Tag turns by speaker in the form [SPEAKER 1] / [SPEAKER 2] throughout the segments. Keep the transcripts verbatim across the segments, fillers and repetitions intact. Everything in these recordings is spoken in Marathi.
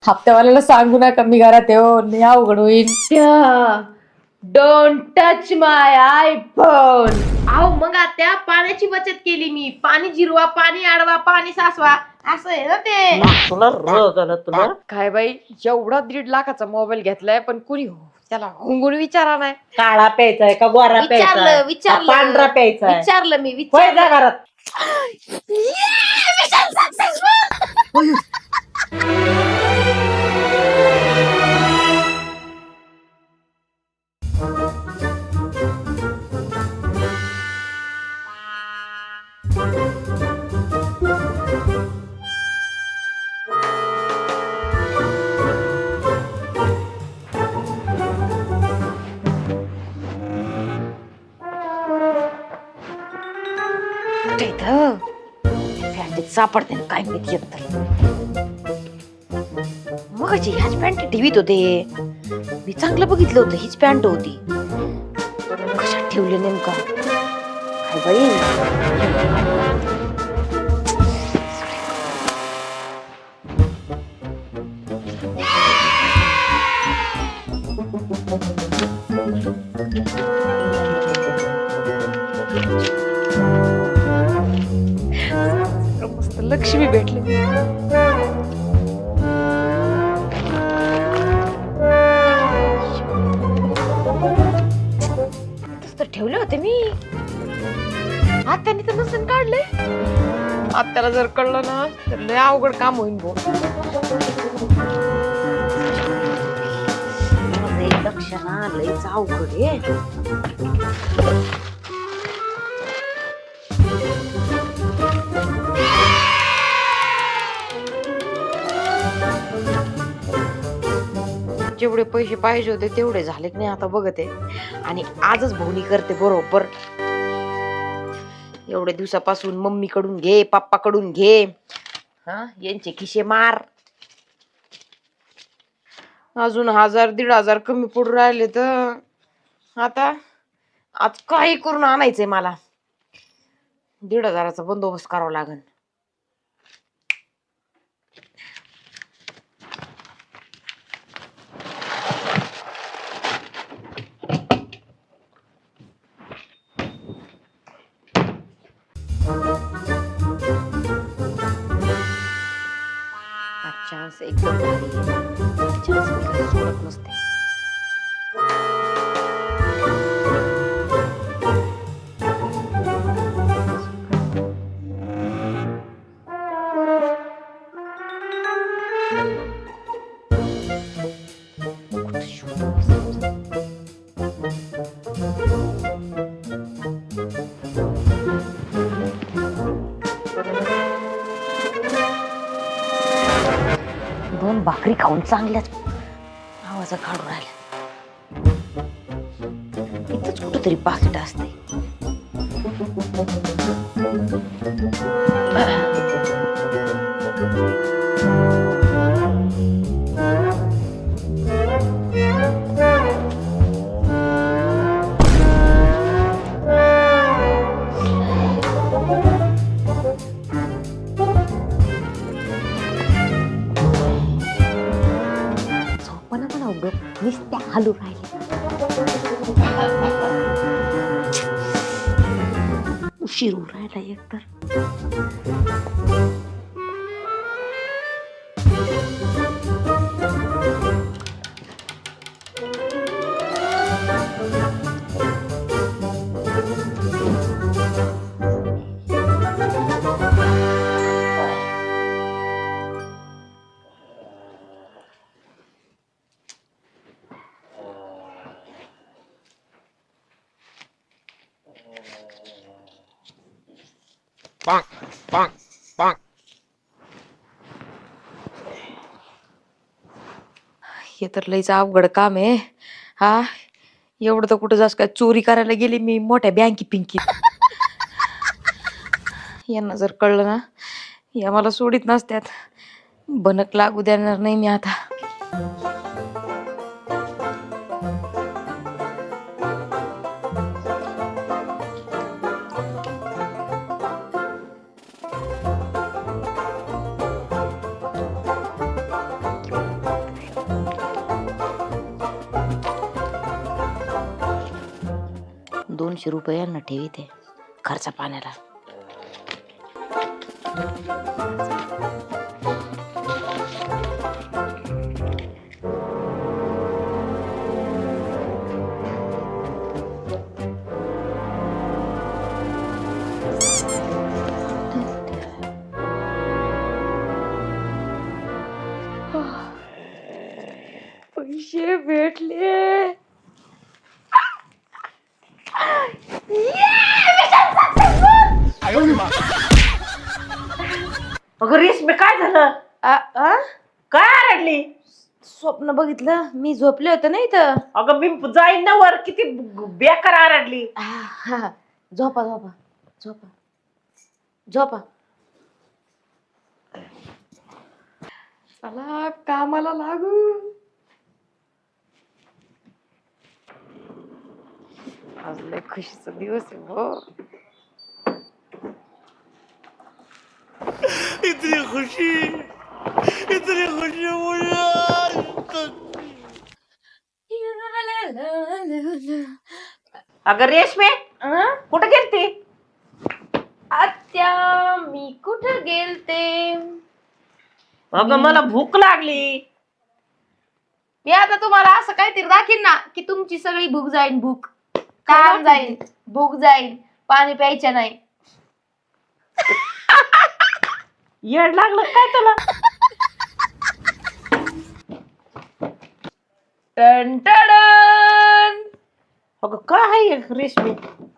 [SPEAKER 1] हप्त्यावाल्याला सांगू नका मी घरात येऊ लय अवघड होईल.
[SPEAKER 2] Don't touch my iPhone. अहो मग आता पाण्याची बचत केली मी. पाणी जिरवा, पाणी अडवा, पाणी सासवा, असं आहे ना ते.
[SPEAKER 3] तुला रोग आला तुला.
[SPEAKER 2] काय बाई, एवढा दीड लाखाचा मोबाईल घेतलाय पण कुणी त्याला हुंगून विचारा नाही.
[SPEAKER 3] काळा प्यायचाय का गोरा प्यायचाय
[SPEAKER 2] विचारलं
[SPEAKER 3] का
[SPEAKER 2] विचारलं
[SPEAKER 3] पांढरा प्यायचाय?
[SPEAKER 2] विचारलं मी
[SPEAKER 3] होय
[SPEAKER 2] विचारलं.
[SPEAKER 3] जा घरात.
[SPEAKER 2] फॅन्टीत सापडते ना काय माहिती येत मग ह्याच पॅन्ट ठेवीत होते मी. चांगलं बघितलं होतं हीच पॅन्ट होती. कशात ठेवले नेमका काय बाई. मस्त लक्ष्मी भेटली. तसं ठेवले होते मी. आत्याने तर नसून काढले. आत्याला जर कळलं ना तर लय अवघड काम होईल भाऊ. लक्ष ना लयच अवघड आहे. जेवढे पैसे पाहिजे होते तेवढे झाले की नाही आता बघते. आणि आजच भवनी करते बरोबर. एवढ्या दिवसापासून मम्मी कडून घे, पप्पा कडून घे, हा यांचे खिशे मार. अजून हजार दीड हजार कमी पडून राहिले तर आता आज काही करून आणायचंय मला. दीड हजाराचा बंदोबस्त करावा लागेल. चान्स एकदम भारी आहे. चान्स मी काही सोडत नसते. दोन भाकरी खाऊन चांगल्याच आवाज काढून राहिल्या. इथंच कुठंतरी पाकिट असते. नुसत्या हालू राहिले. उशीर होऊ राहिला एकतर.
[SPEAKER 3] पांग पांग पांग.
[SPEAKER 2] हे तर लईच अवघड काम आहे. हा एवढं तर कुठं जास काय चोरी करायला गेली मी मोठ्या बँकी पिंकीत. यांना जर कळलं ना या मला सोडित नसत्यात. बनक लागू देणार नाही मी आता. दोनशे रुपये यांना ठेवी ते खर्च पाण्याला. पैसे भेटले.
[SPEAKER 3] अगं रेशमी काय झालं?
[SPEAKER 2] आ, आ?
[SPEAKER 3] काय आरडली?
[SPEAKER 2] स्वप्न बघितलं मी झोपले होते ना इथं.
[SPEAKER 3] अगं मी जाईन ना वर, किती बेकार आरडली.
[SPEAKER 2] आ, हा. झोपा झोपा झोपा झोपा. चला कामाला लागू. आज लय खुशीचा दिवस आहे हो.
[SPEAKER 4] इतनी खुशी इतनी खुशी मुझे आज तक.
[SPEAKER 3] अगं रेशमी
[SPEAKER 2] आ?
[SPEAKER 3] कुठे गेलती?
[SPEAKER 2] आत्या मी कुठं गेलते?
[SPEAKER 3] अगं मला भूक लागली.
[SPEAKER 2] मी आता तुम्हाला असं काहीतरी दाखीन ना की तुमची सगळी भूक जाईन. भूक काम जाईन, भूक जाईन, पाणी प्यायचं नाही.
[SPEAKER 3] येड लागलं काय तुला?
[SPEAKER 2] टन टन.
[SPEAKER 3] अगं काय आहे रेशमी?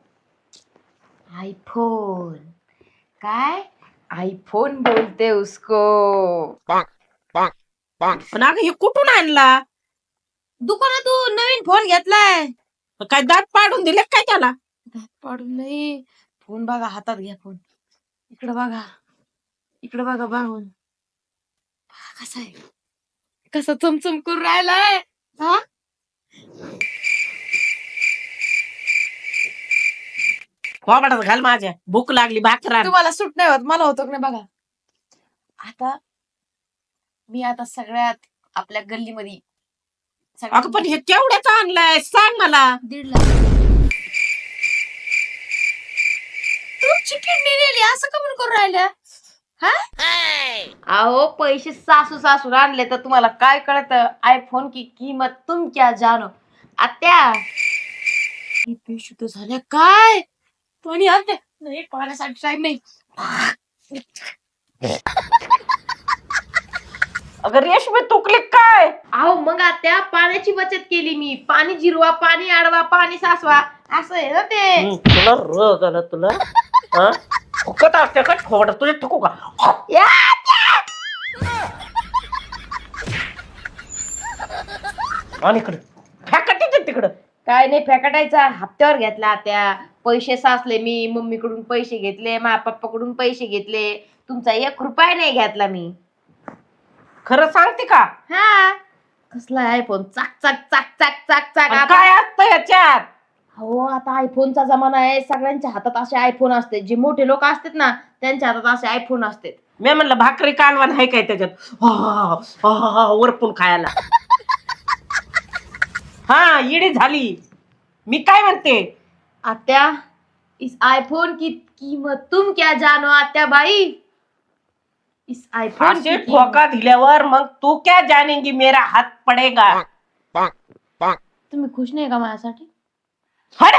[SPEAKER 2] आईफोन. काय आईफोन बोलते उसको.
[SPEAKER 3] पण अगं हे कुठून आणला?
[SPEAKER 2] दुकानातून नवीन फोन घेतलाय.
[SPEAKER 3] काय दात पाडून दिले काय त्याला?
[SPEAKER 2] दात पाडून नाही. फोन बघा, हातात घ्या फोन. इकडे बघा, इकडे बघा बाहून. कसा आहे, कसा चमचम करून राहिलाय. हा
[SPEAKER 3] कोबडात घाल माझ्या, भूक लागली भाकरा.
[SPEAKER 2] तुम्हाला सूट नाही होत, मला होतो की नाही बघा. आता मी आता सगळ्यात आपल्या गल्लीमध्ये
[SPEAKER 3] अगं पण हे केवढ्याच आणलाय सांग मला.
[SPEAKER 2] दीड लाख. तुमची किडनी नेली असं कमून करून राहिल्या. हा अहो पैसे सासू सासू आणले तर तुम्हाला काय कळत? आयफोन की किंमत तुम क्या जानो. आत्या ही बेशुद्ध झाल्या काय? पाणी आणते नाही, पाण्यासाठी टाइम नाही.
[SPEAKER 3] अगं रेशमी तुकली काय?
[SPEAKER 2] अहो मग आत्या पाण्याची बचत केली मी. पाणी जिरवा, पाणी अडवा, पाणी सासवा असं आहे ना ते.
[SPEAKER 3] हम्म, तुला र झालं तुला. हा फुकट असते का ठोबड तुझे ठोकू का?
[SPEAKER 2] या
[SPEAKER 3] आणि इकडे फॅकट तिकडं.
[SPEAKER 2] काय नाही फेकटायचा, हप्त्यावर घेतला त्या. पैसे साचले मी, मम्मीकडून पैसे घेतले, माझ्या पप्पाकडून पैसे घेतले. तुमचा एक रुपया नाही घेतला मी.
[SPEAKER 3] खरं सांगते का?
[SPEAKER 2] हा कसला आयफोन चाक चाक चाक चाक चाक चाक.
[SPEAKER 3] आणि
[SPEAKER 2] आता
[SPEAKER 3] काय असतं याच्यात?
[SPEAKER 2] हो आता आयफोनचा जमाना आहे. सगळ्यांच्या हातात असे आयफोन असते. जे मोठे लोक असतात ना त्यांच्या हातात असे आयफोन असतात.
[SPEAKER 3] मी म्हणलं भाकरी कालवण आहे काय त्याच्यात? हा, हा, हा, वरपून खायला. हा इडी झाली. मी काय म्हणते?
[SPEAKER 2] आत्या इस आयफोन की कीमत तुम क्या जानो आत्या बाई. इस आयफोन की
[SPEAKER 3] असे
[SPEAKER 2] कीमत-
[SPEAKER 3] ठोका दिल्यावर मग तू क्या जानेंगी मेरा हात पडेगा.
[SPEAKER 2] तुम्ही खुश नाही का माझ्यासाठी?
[SPEAKER 3] हड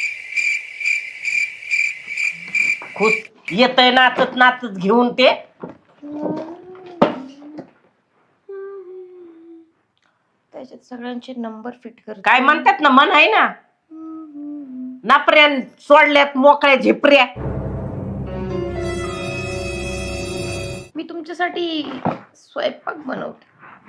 [SPEAKER 3] खुश येतय नाचत नाचत घेऊन ते.
[SPEAKER 2] त्याच्यात सगळ्यांचे नंबर फिट कर.
[SPEAKER 3] काय म्हणतात ना मन आहे ना, नापऱ्या सोडल्यात मोकळ्या झिपऱ्या.
[SPEAKER 2] मी तुमच्यासाठी स्वयंपाक बनवते.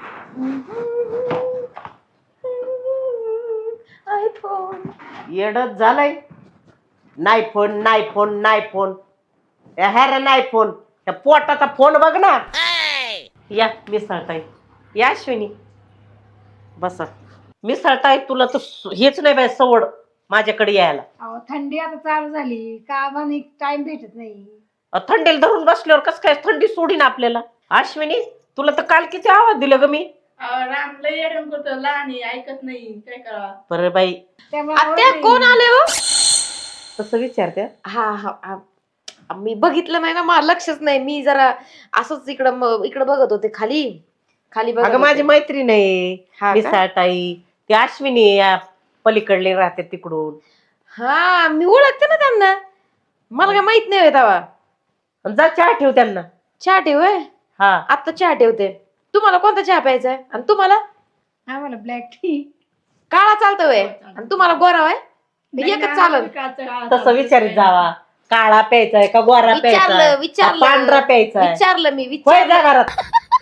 [SPEAKER 2] आयफोन
[SPEAKER 3] येडच झालंय. नाही फोन नाही फोन नाही फोन ह्या नाही फोन. त्या पोटाचा फोन बघ ना. या मिसळताय या अश्विनी बसा. मिसळताय तुला तर हेच नाही बाय सवड माझ्याकडे यायला.
[SPEAKER 1] अहो थंडी आता चालू झाली, कामाने टाइम भेटत नाही.
[SPEAKER 3] अ, थंडीला धरून बसल्यावर कसं काय थंडी सोडीन आपल्याला. अश्विनी तुला तर काल किती आवाज दिला ग मी.
[SPEAKER 1] राम लय येडम करतो, लहान आहे, ऐकत नाही, काय करा.
[SPEAKER 3] बरं बाई
[SPEAKER 1] त्यामुळे
[SPEAKER 2] आत्या
[SPEAKER 1] आवडत
[SPEAKER 2] कोण
[SPEAKER 1] नाही.
[SPEAKER 2] आले हो?
[SPEAKER 3] तसं विचारते.
[SPEAKER 2] हा हा हा. मी बघितलं नाही ना, मला लक्षच नाही. मी जरा असंच इकडं म- इकडं बघत होते खाली खाली बघत
[SPEAKER 3] अगं माझी
[SPEAKER 2] होते.
[SPEAKER 3] मैत्रीण आहे
[SPEAKER 2] हा का?
[SPEAKER 3] मिसाळताई, ती अश्विनी या पलीकडले राहते तिकडून.
[SPEAKER 2] हा मी ओळखते ना त्यांना, मला काय माहित नाही तेव्हा.
[SPEAKER 3] जा चहा ठेव त्यांना.
[SPEAKER 2] चहा ठेव होय?
[SPEAKER 3] हा
[SPEAKER 2] आता चहा ठेवते. तुम्हाला कोणता चहा प्यायचा आहे? आणि तुम्हाला
[SPEAKER 1] आम्हाला ब्लॅक टी.
[SPEAKER 2] काळा चालतो वय, आणि तुम्हाला गोरा वय? एकच चालल.
[SPEAKER 3] तसं विचारित जावा, काळा प्यायचाय का गोरा
[SPEAKER 2] विचारलं
[SPEAKER 3] प्यायचाय का
[SPEAKER 2] विचारलं
[SPEAKER 3] पांढरा प्यायचाय.
[SPEAKER 2] विचारलं मी
[SPEAKER 3] होय
[SPEAKER 2] विचारलं.
[SPEAKER 3] जा घरात.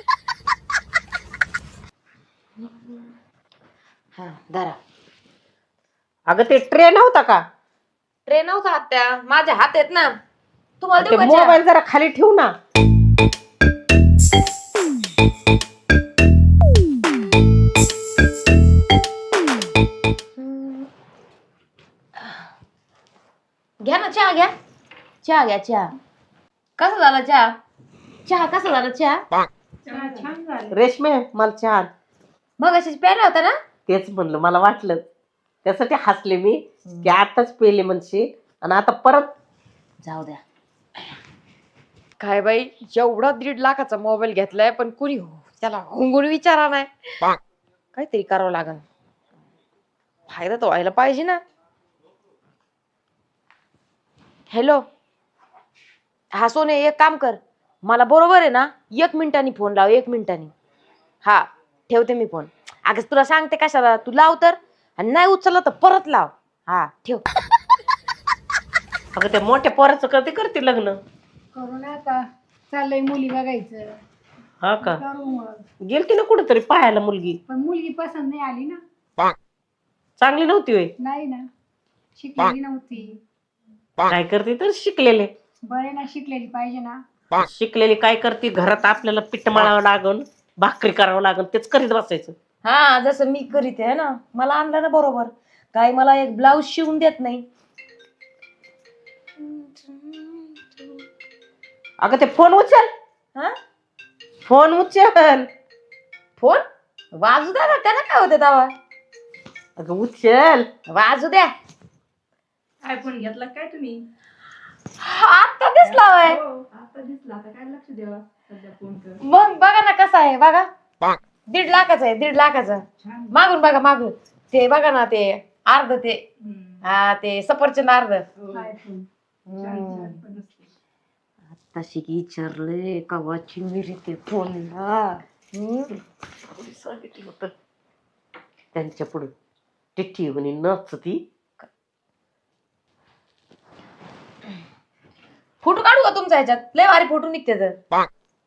[SPEAKER 2] हा धरा.
[SPEAKER 3] अगं ते ट्रेन नव्हता का,
[SPEAKER 2] ट्रेन नव्हता आत्या, माझे हात आहेत ना. तुम्हाला
[SPEAKER 3] ते
[SPEAKER 2] देऊ का चहा?
[SPEAKER 3] मोबाईल जरा खाली ठेवू ना.
[SPEAKER 2] घ्या ना चहा, घ्या चहा, घ्या चहा. कसा झाला चहा? चहा कसा झाला चहा?
[SPEAKER 1] छान झालं.
[SPEAKER 3] रेशमे मला चहा.
[SPEAKER 2] मग अशीच प्यायला होता ना.
[SPEAKER 3] तेच म्हणलं, मला वाटलं त्यासाठी हसले मी की आताच पेले म्हणशी आणि आता परत.
[SPEAKER 2] जाऊ द्या. काय बाई, एवढा दीड लाखाचा मोबाईल घेतलाय पण कुणी त्याला हुंगून विचारा नाही. काहीतरी करावं लागल, फायदा तर व्हायला पाहिजे ना. हॅलो, हा सोने, एक काम कर, मला बरोबर आहे ना एक मिनिटानी फोन लाव, एक मिनिटानी. हा ठेवते मी फोन. अगं तुला सांगते कशाला, तू लाव तर, आणि नाही उचललं तर परत लाव. हा ठेव.
[SPEAKER 3] अगं त्या मोठ्या पोराचं कधी करते लग्न?
[SPEAKER 1] करू ना आता, चाललंय मुली बघायचं.
[SPEAKER 3] हा का,
[SPEAKER 1] करू मग.
[SPEAKER 3] गेलती ना कुठेतरी पाहायला मुलगी,
[SPEAKER 1] पण मुलगी पसंत नाही आली ना.
[SPEAKER 3] चांगली नव्हती होय?
[SPEAKER 1] नाही ना, शिकलेली नव्हती.
[SPEAKER 3] काय करते तर शिकलेले.
[SPEAKER 1] बरे ना, शिकलेली पाहिजे ना.
[SPEAKER 3] शिकलेली काय करते, घरात आपल्याला पीठ मळावं लागल, भाकरी करावं लागल, तेच करीत बसायचं.
[SPEAKER 2] हा जसं मी करीत आहे ना, मला आणलं ना बरोबर. काय मला एक ब्लाऊज शिवून देत नाही.
[SPEAKER 3] अगं ते फोन उचल.
[SPEAKER 2] हा
[SPEAKER 3] फोन उचल.
[SPEAKER 2] फोन वाजू द्या ना, त्याला काय होते दावा.
[SPEAKER 3] अगं उचल.
[SPEAKER 2] वाजू द्या.
[SPEAKER 1] आयफोन घेतला काय तुम्ही?
[SPEAKER 2] आता दिसला होय.
[SPEAKER 1] आता दिसला, आता काय लक्ष द्यावा सध्या फोनचं.
[SPEAKER 2] मग बघा ना कसा आहे, बघा दीड लाखाचा आहे, दीड लाखाचा. मागून बघा, मागून ते बघा ना, ते अर्ध ते हा ते सफरचंद अर्ध.
[SPEAKER 1] आयफोन
[SPEAKER 2] तशी की विचारले कवाची मिरी ते फोनला.
[SPEAKER 3] सांगितलं होतं त्यांच्या पुढे टिठी म्हणे नचती.
[SPEAKER 2] फोटो काढू का तुमचा ह्याच्यात? लय भारी फोटो निघते तर.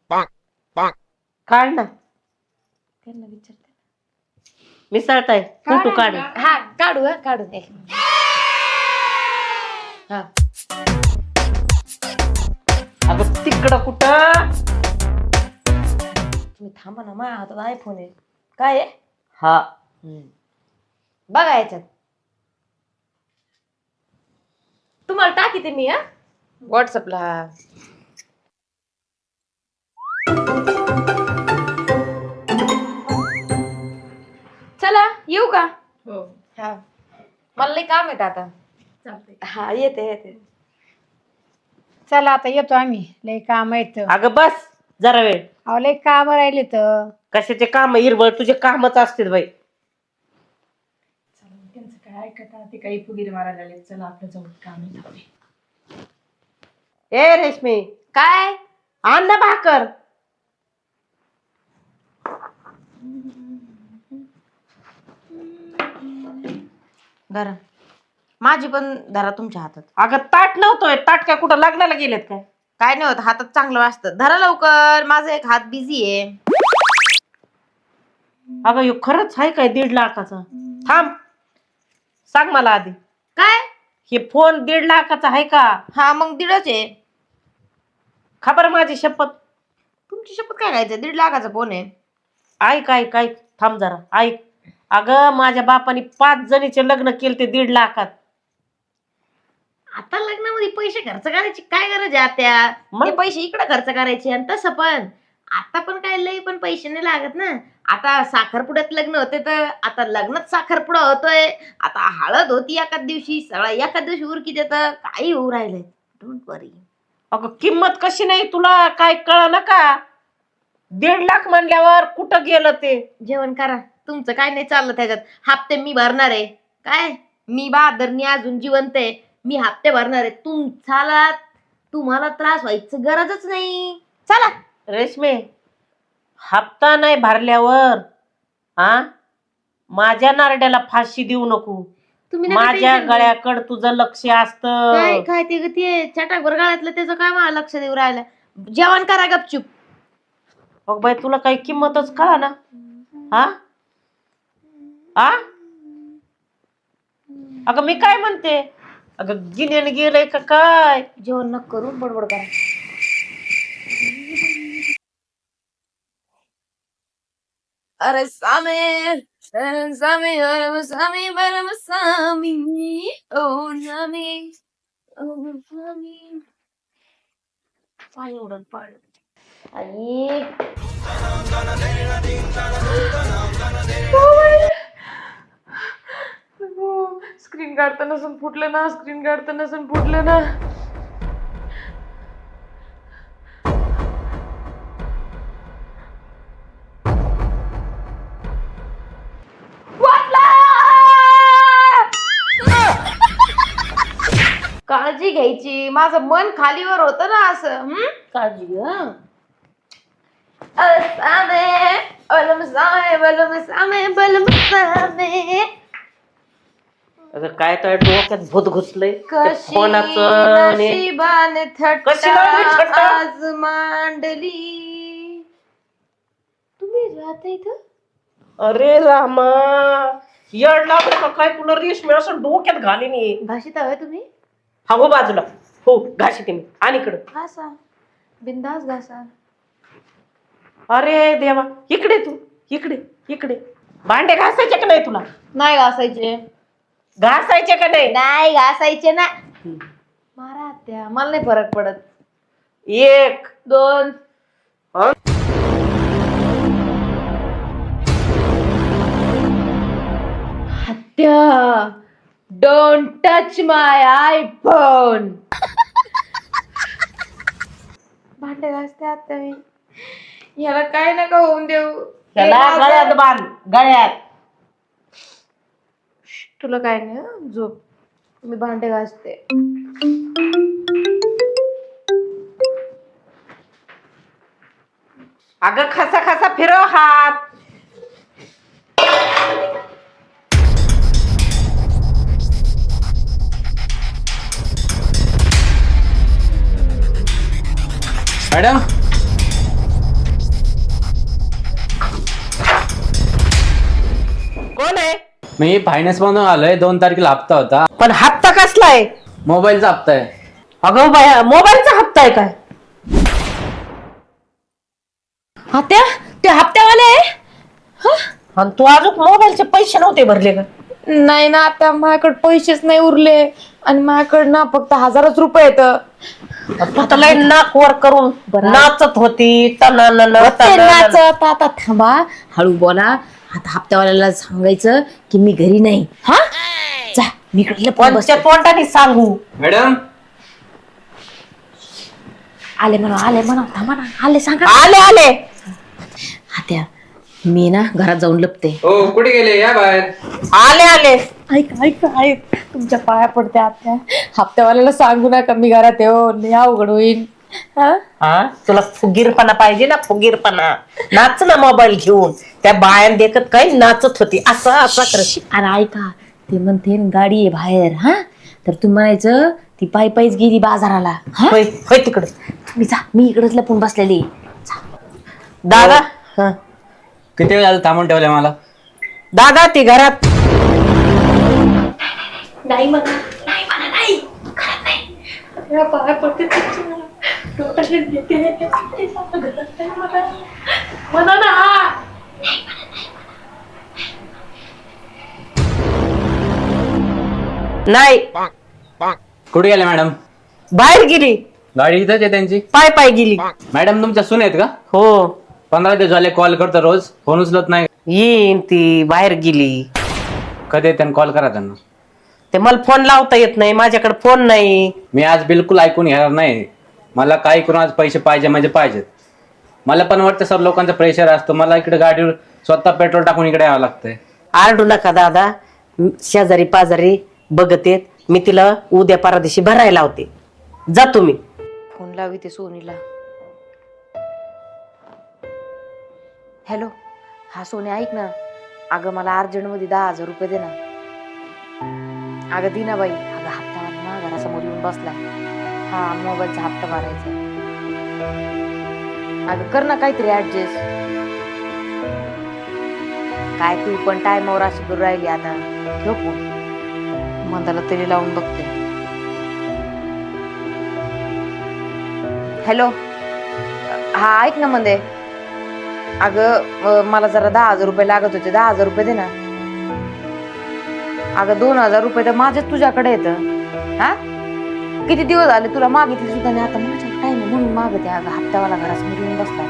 [SPEAKER 3] काढ ना,
[SPEAKER 2] त्यांना विचारते.
[SPEAKER 3] मिसळताय फोटो काढ.
[SPEAKER 2] हा काढू, हा काढू. एक हा
[SPEAKER 3] अगं तिकडं कुठं.
[SPEAKER 2] तुम्ही थांबा ना, माझ्या हातात आयफोन आहे. काय आहे?
[SPEAKER 3] हा
[SPEAKER 2] बघा याच्यात. तुम्हाला टाकीते मी हा व्हॉट्सअपला. चला येऊ का?
[SPEAKER 1] हो
[SPEAKER 2] हा मला लई काम आहे आता.
[SPEAKER 1] चालतंय.
[SPEAKER 2] हा येते येते.
[SPEAKER 1] चला आता येतो आम्ही, लय काम आहेत.
[SPEAKER 3] अगं बस जरा वेळ.
[SPEAKER 1] अहो लय काम राहिले तर.
[SPEAKER 3] कशाचे काम हिरबळ, तुझे कामच असतील बाई.
[SPEAKER 1] त्यांचं काय ऐकता, ते काही फुगीर मारायला लागले. चला आपलं जाऊ, काम आहे.
[SPEAKER 3] ए रेशमी,
[SPEAKER 2] काय?
[SPEAKER 3] आण ना भाकर.
[SPEAKER 2] धरा, माझी पण धरा तुमच्या हातात.
[SPEAKER 3] अगं ताट नव्हतोय, ताट काय कुठं लग्नाला गेलेत काय?
[SPEAKER 2] काय नाही होत, हातात चांगलं वाजतं. धरा लवकर, माझा एक हात बिझी आहे.
[SPEAKER 3] अगं ह्यो खरंच आहे काय दीड लाखाचा? थांब, सांग मला आधी,
[SPEAKER 2] काय?
[SPEAKER 3] हे फोन दीड लाखाचा आहे का?
[SPEAKER 2] हा मग दीडच आहे.
[SPEAKER 3] खबर माझी शपथ.
[SPEAKER 2] तुमची शपथ काय घ्यायचं, दीड लाखाचा फोन आहे.
[SPEAKER 3] ऐक ऐक ऐक, थांब जरा ऐक. अगं माझ्या बापाने पाच जणीचे लग्न केले ते दीड लाखात.
[SPEAKER 2] आता लग्नामध्ये पैसे खर्च करायची काय गरज आहे त्या?
[SPEAKER 3] मग?
[SPEAKER 2] ते पैसे इकडे खर्च करायचे. आणि तसं पण आता पण काय लई पण पैसे नाही लागत ना. आता साखरपुड्यात लग्न होते तर आता लग्नात साखरपुडा होतोय. आता हळद होती एकाच दिवशी, सगळा एकाच दिवशी उरकी देत, काही होऊ राहिलंय. Don't worry.
[SPEAKER 3] अगं किंमत कशी नाही तुला काय कळ ना का? दीड लाख म्हणल्यावर कुठं गेलं ते?
[SPEAKER 2] जेवण करा. तुमचं काय नाही चाललं त्याच्यात. हप्ते मी भरणार आहे. काय मी बहादरनी अजून जिवंत आहे. मी हप्ते भरणार आहे. तुमचाला तुम्हाला त्रास व्हायचं गरजच नाही. चला.
[SPEAKER 3] रेशमे, हप्ता नाही भरल्यावर हा माझ्या नारड्याला फाशी देऊ नको.
[SPEAKER 2] तुम्ही नका
[SPEAKER 3] माझ्या
[SPEAKER 2] tension घेऊ.
[SPEAKER 3] गळ्याकडे तुझं लक्ष असतं.
[SPEAKER 2] काय काय ते ते चटाकभर गाळ्यातलं त्याचं काय मला लक्ष देऊ राहिलं. जेवण करा गपचूप.
[SPEAKER 3] मग बाई तुला काही किंमतच कळा ना. हा हा अगं मी काय म्हणते, अगं गिन्यान गेलंय का काय?
[SPEAKER 2] जेवण न करून बडबड करा. अरे सामे अरे सामे अरे सामे बरम सामी ओ नामी ओ सामी पाणी उडत पाड आणि
[SPEAKER 1] स्क्रीन काढता नसून फुटलं ना, स्क्रीन काढता नसून फुटलं ना.
[SPEAKER 2] काळजी घ्यायची. माझं मन खालीवर होतं ना असं. हम्म काळजी घ्या. सामे बलम सामे बलम सामे बलम सामे.
[SPEAKER 3] अगं काय तर डोक्यात भूत घुसलंय
[SPEAKER 2] कशी
[SPEAKER 3] कोणाचं आणि-
[SPEAKER 2] नशिबाने
[SPEAKER 3] कशी लावली
[SPEAKER 2] थट्टा
[SPEAKER 3] थट्टा?
[SPEAKER 2] आज मांडली. तुम्ही राहता इथं?
[SPEAKER 3] अरे रामा, येड लागलं का काय तुला? रेशमी असं डोक्यात घालीन.
[SPEAKER 2] भाषित हवंय तुम्ही?
[SPEAKER 3] हा हो बाजूला हो घाशी ते मी आणि इकडं.
[SPEAKER 2] घासा बिंदास घासा.
[SPEAKER 3] अरे देवा, इकडे तू इकडे इकडे. भांडे घासायचे का नाही तुला?
[SPEAKER 2] नाही घासायचे.
[SPEAKER 3] घासायचे का नाही?
[SPEAKER 2] नाही घासायचे ना. मारा त्या मला नाही फरक पडत.
[SPEAKER 3] एक
[SPEAKER 2] दोन
[SPEAKER 3] हं?
[SPEAKER 2] हत्या. Don't touch my iPhone. भांडे घासते आता मी. याला काय नका होऊन देऊ.
[SPEAKER 3] त्याला
[SPEAKER 2] हे माझं-
[SPEAKER 3] गळ्यात बांध गळ्यात.
[SPEAKER 2] तुला काय नाही हं? झोप. मी भांडे घासते.
[SPEAKER 3] अगं खसा खसा फिरव हात.
[SPEAKER 5] मॅडम,
[SPEAKER 3] कोण आहे?
[SPEAKER 5] मी फायनान्स मधून आलोय. दोन तारखेला हप्ता होता.
[SPEAKER 3] पण हप्ता कसला आहे?
[SPEAKER 5] मोबाईलचा हप्ता आहे.
[SPEAKER 3] अगं बाया, मोबाईलचा हप्ता आहे काय?
[SPEAKER 2] हत्या ते हप्त्यावाले आहे?
[SPEAKER 3] आणि तू अजून मोबाईलचे पैसे नव्हते भरले का?
[SPEAKER 2] नाही ना आता माझ्याकडे पैसेच नाही उरले. आणि माझ्याकडे ना फक्त हजारच रुपये येत.
[SPEAKER 3] तू लय नाक वर करून नाचत होती. तनानन,
[SPEAKER 2] ते
[SPEAKER 3] तनानन.
[SPEAKER 2] नाचत. आता थांबा, हळू बोला. आता हप्त्यावाल्याला सांगायचं की मी घरी नाही. हा जा मी इकडे लपून बसते.
[SPEAKER 3] कोणत्या तोंडाने सांगू?
[SPEAKER 5] मॅडम,
[SPEAKER 2] आले म्हणा आले म्हणा थांबा ना. आले सांगा.
[SPEAKER 3] आले आले.
[SPEAKER 2] हत्या मी ना घरात जाऊन लपते.
[SPEAKER 5] हो कुठे गेले? या बाहेर.
[SPEAKER 3] आले आले.
[SPEAKER 1] ऐक ऐक ऐक तुमच्या पाया पडते आत्या. हप्त्यावाल्याला सांगू नका मी घरात येऊ. लय अवघड होईल. हा
[SPEAKER 3] हा तुला फुगीरपणा पाहिजे ना, फुगीरपणा. नाच ना मोबाईल घेऊन. त्या बायान देखत काही नाचत होती असं असं करत.
[SPEAKER 2] अरे ऐका ते म्हणते न गाडी आहे बाहेर. हा तर तुम्ही म्हणायचं ती पायी पायीच गेली बाजाराला. हा
[SPEAKER 3] होय होय तिकडं.
[SPEAKER 2] तुम्ही जा मी इकडेच लपून बसलेली.
[SPEAKER 3] दादा हा.
[SPEAKER 5] किती वेळ झालं थांबून ठेवलंय मला?
[SPEAKER 3] दादा ती घरात
[SPEAKER 2] नाही म्हणा नाही म्हणा नाही घरात नाही.
[SPEAKER 1] या पाया पडते तुमच्या. डोक्याला घेते. म्हणा ना.
[SPEAKER 3] नाही
[SPEAKER 5] कुठे गेले मॅडम?
[SPEAKER 3] बाहेर गेली.
[SPEAKER 5] गाडी इथंच आहे त्यांची.
[SPEAKER 3] पाय पाय गेली.
[SPEAKER 5] मॅडम तुमच्या सून आहेत का?
[SPEAKER 3] हो
[SPEAKER 5] पंधरा दिवस झाले कॉल करतो रोज, फोन उचलत नाही.
[SPEAKER 3] येईन ती बाहेर गेली.
[SPEAKER 5] कधी येते कॉल करा त्यांना.
[SPEAKER 3] ते मला फोन लावता येत नाही, माझ्याकडे फोन नाही.
[SPEAKER 5] मी आज बिलकुल ऐकून घेणार नाही. मला काही करून आज पैसे पाहिजे म्हणजे पाहिजेत. मला पण वाटतं सर लोकांचं प्रेशर असतं. मला इकडे गाडीवर स्वतः पेट्रोल टाकून इकडे यावं लागतंय.
[SPEAKER 3] आरडू नका दादा, शेजारी पाजारी बघत येत. मी तिला उद्या परदेशी भरायला लावते. जा तुम्ही.
[SPEAKER 2] फोन लावी ते सोनीला. हॅलो, हा सोनी ऐक ना. अगं मला अर्जंट मध्ये दहा हजार रुपये दे ना. अगं दिना बाई, अगं हप्ता ना घरासमोर येऊन बसलाय. हा मोबाईलचा हप्ता भरायचा. अगं कर ना काहीतरी ऍडजस्ट. काय तू पण टायमावर अशी करू राहिली आता. ठेव फोन, मंदाला तरी लावून बघते. हॅलो, हा ऐक ना मंदे. अगं मला जरा दहा हजार रुपये लागत होते. दहा हजार रुपये दे ना. अगं दोन हजार रुपये तर माझ्याच तुझ्याकडे येतं. हा किती दिवस झाले तुला मागितले सुद्धा नाही. आता माझ्या टाइम आहे म्हणून मागते. अगं हप्तावाला घरासमोर येऊन बसला.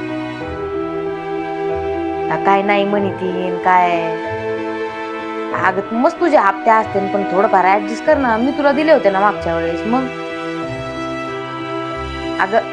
[SPEAKER 2] काय नाही म्हणी तीन काय. अगं मस्त तुझे हप्ते असते पण थोडंफार ऍडजस्ट कर ना. मी तुला दिले होते ना मागच्या वेळेस. मग अगं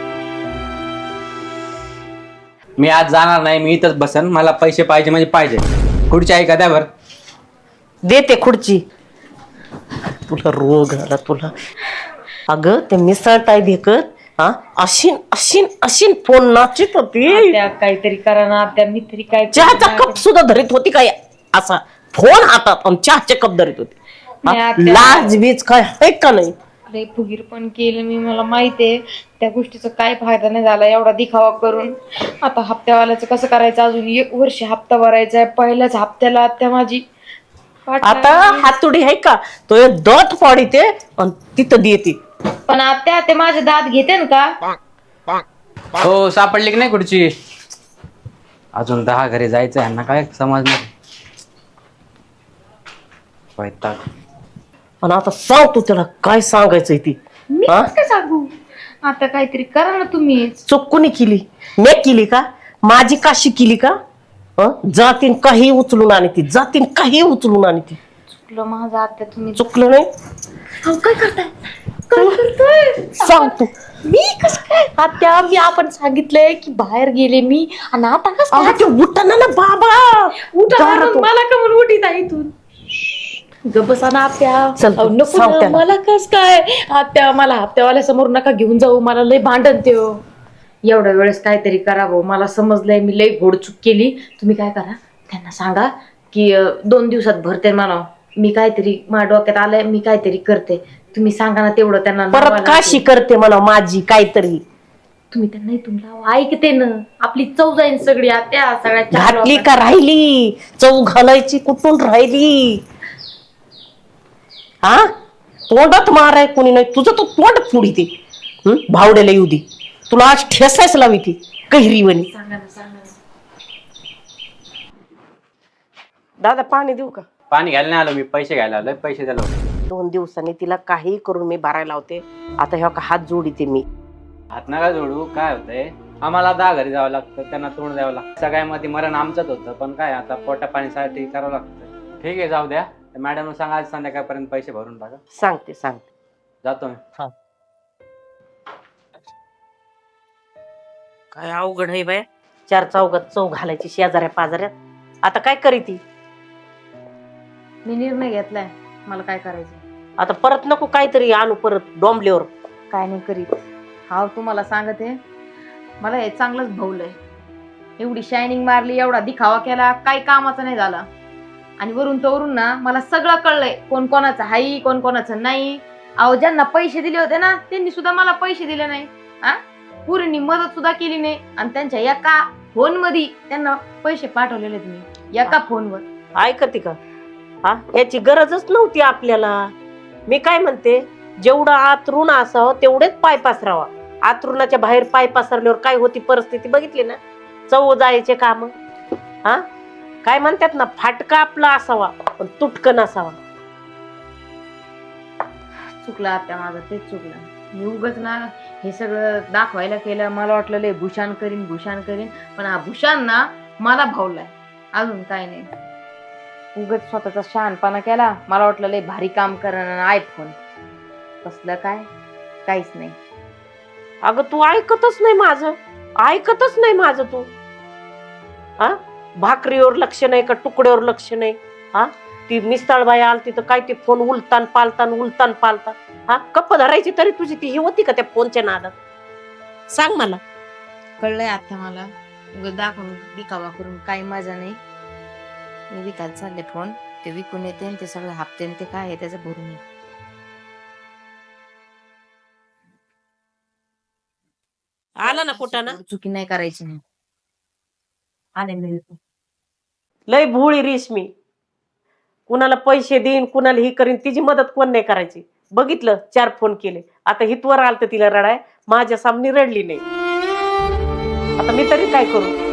[SPEAKER 5] मी आज जाणार नाही. मी इथंच बसन. मला पैसे पाहिजे म्हणजे पाहिजे. खुर्ची आहे का द्या बरं.
[SPEAKER 3] देते खुर्ची. तुला रोग आला तुला. अगं ते मिसळताय देखत हा अशीन अशीन अशीन फोन नाचित होती.
[SPEAKER 2] काहीतरी करा ना. त्या मी तरी काय
[SPEAKER 3] चहाचा कप सुद्धा धरीत होती काय असा फोन हातात आणि चहाचे कप धरीत होती. हा, लाज बीज काय आहे का नाही.
[SPEAKER 2] अरे फुगीर पण केलं मी. मला माहितीये त्या गोष्टीचा काय फायदा नाही झाला एवढा दिखावा करून. आता हप्त्यावाल्याचं कसं करायचं. अजून एक वर्ष हप्ता भरायचा आहे. पहिल्याच हप्त्याला आत्या माझी
[SPEAKER 3] आता हातुडी आहे का तो दत पाडीते आणि तिथं देते.
[SPEAKER 2] पण आत्या ते माझे दात घेते ना का.
[SPEAKER 5] हो सापडली की नाही खुर्ची. अजून दहा घरी जायचं. यांना काय समजणार. वैताग.
[SPEAKER 3] आणि आता सांग तू त्याला काय सांगायचंय ती.
[SPEAKER 2] मी काय सांगू. आता काहीतरी करा ना तुम्ही.
[SPEAKER 3] चूक कोणी केली. मी केली का. माझी काशी केली का. जातीन काही उचलून आणि ती जातीन काही उचलून आणि ती.
[SPEAKER 2] चुकलं माझं आत्या. तुम्ही
[SPEAKER 3] चुकलं नाही.
[SPEAKER 2] काय करताय काय करताय
[SPEAKER 3] सांग तू.
[SPEAKER 2] मी कसं काय आत्या. मी आपण सांगितलंय की बाहेर गेले मी आणि आता कसं
[SPEAKER 3] ते उठताना ना बाबा
[SPEAKER 2] उठा
[SPEAKER 3] दारातून.
[SPEAKER 2] मला का म्हणून उठीत आहे इथून. गबसा ना आत्या.
[SPEAKER 3] चल,
[SPEAKER 2] अहो, नको
[SPEAKER 3] सांग
[SPEAKER 2] ना.
[SPEAKER 3] त्याला.
[SPEAKER 2] मला कस काय आत्या. मला हप्त्यावाल्या समोर नका घेऊन जाऊ. मला लय भांडण ते हो. एवढ्या वेळेस काहीतरी करावं. मला समजलंय मी लय घोडचूक केली. तुम्ही काय करा त्यांना सांगा की अं, दोन दिवसात भरते म्हणा. मी काहीतरी माझ्या डोक्यात आलंय. मी काहीतरी करते. तुम्ही सांगा ना तेवढं त्यांना.
[SPEAKER 3] परत काशी करते म्हणा माझी काहीतरी.
[SPEAKER 2] तुम्ही त्यांना इथून लावा. ऐकते ना. आपली चव जाईन सगळी आत्या. सगळ्या
[SPEAKER 3] घातली का राहिली. चव घालायची कुठून राहिली. हा तोंडात माराय कोणी नाही. तुझं तो तोंड पुढी ते भावड्याला येऊ दे. तुला आज ठेसायच लावी ती कैरीवणी.
[SPEAKER 2] सांगा ना सांगा ना.
[SPEAKER 3] दादा पाणी देऊ का.
[SPEAKER 5] पाणी घ्यायला नाही आलो मी. पैसे घ्यायला आलोय. पैसे द्यायला होते.
[SPEAKER 3] दोन दिवसांनी तिला काही करून मी भरायला होते. आता ह्या का हात जोडीते मी.
[SPEAKER 5] हात नका जोडू. काय होतंय आम्हाला दहा घरी जावं लागतं. त्यांना तोंड द्यावं लागतं. सगळ्यामध्ये मरण आमचंच होतं. पण काय आता पोटा पाणीसाठी करावं लागतं. ठीक आहे जाऊ द्या. मॅडम सांगा आज संध्याकाळपर्यंत पैसे भरून टाका.
[SPEAKER 3] सांगते सांगते.
[SPEAKER 5] जातो मी.
[SPEAKER 3] काय अवघड आहे बाय. चार चौघात चौ घालायची शेजाऱ्या पाजाऱ्यात. आता काय करी ती.
[SPEAKER 2] मी निर्णय घेतलाय. मला काय करायचं.
[SPEAKER 3] आता परत नको काहीतरी आणू परत डोंबल्यावर.
[SPEAKER 2] काय नाही करीत. हा तुम्हाला सांगते. मला हे चांगलंच भवलंय. एवढी शायनिंग मारली. एवढा दिखावा केला. काही कामाचा नाही झाला. आणि वरून तर वरून ना मला सगळं कळलंय. कोण कोणाचं हाई कोण कोणाचं नाही. अहो ज्यांना पैसे दिले होते ना त्यांनी सुद्धा मला पैसे दिले नाही. हा पुरींनी मदत सुद्धा केली नाही. आणि त्यांच्या एका फोन मध्ये त्यांना पैसे पाठवलेले मी. एका फोनवर.
[SPEAKER 3] ऐकते का. हा याची गरजच नव्हती आपल्याला. मी काय म्हणते जेवढं आतरून असावं तेवढेच पाय पसरावा. आतरुणाच्या बाहेर पाय पसरल्यावर काय होती परिस्थिती बघितली ना. चव जायचे काम. हा काय म्हणतात ना फाटका आपला असावा पण तुटकन असावा.
[SPEAKER 2] चुकला आत्या माझं. तेच चुकलं. मी उगच ना हे सगळं दाखवायला केलं. मला वाटलं लय भूषण करीन भूषण करीन, पण हा भूषण ना मला भावलाय, अजून काय नाही. उगच स्वतःचा शहाणपणा केला. मला वाटलं लय भारी काम करणं आयफोन, कसलं काय, काहीच नाही.
[SPEAKER 3] अगं तू ऐकतच नाही माझं, ऐकतच नाही माझं तू. हा भाकरीवर लक्ष नाही का तुकड्यावर लक्ष नाही. हा ती मिसळबाई आलती तर काय ते फोन उलतान पालतान उलतान पालतान. हा कप्प धरायची तरी तुझी ती ही होती का त्या फोनच्या नादात? सांग मला.
[SPEAKER 2] कळलंय आता मला. उगाच दाखवून दिखावा करून काही मजा नाही. मी विकायला चालले फोन, ते विकून येते आणि ते सगळे हप्ते आणि ते काय आहे त्याचं भरून येते.
[SPEAKER 3] आला ना कुठं ना.
[SPEAKER 2] चुकी नाही करायची नाही. आले मी येतो.
[SPEAKER 3] लय भोळी रेशमी. कुणाला पैसे देईन कुणाला ही करीन, तिची मदत कोण नाही करायची. बघितलं चार फोन केले, आता हितवर आलत तिला रडाय, माझ्या सामने रडली नाही. आता मी तरी काय करू?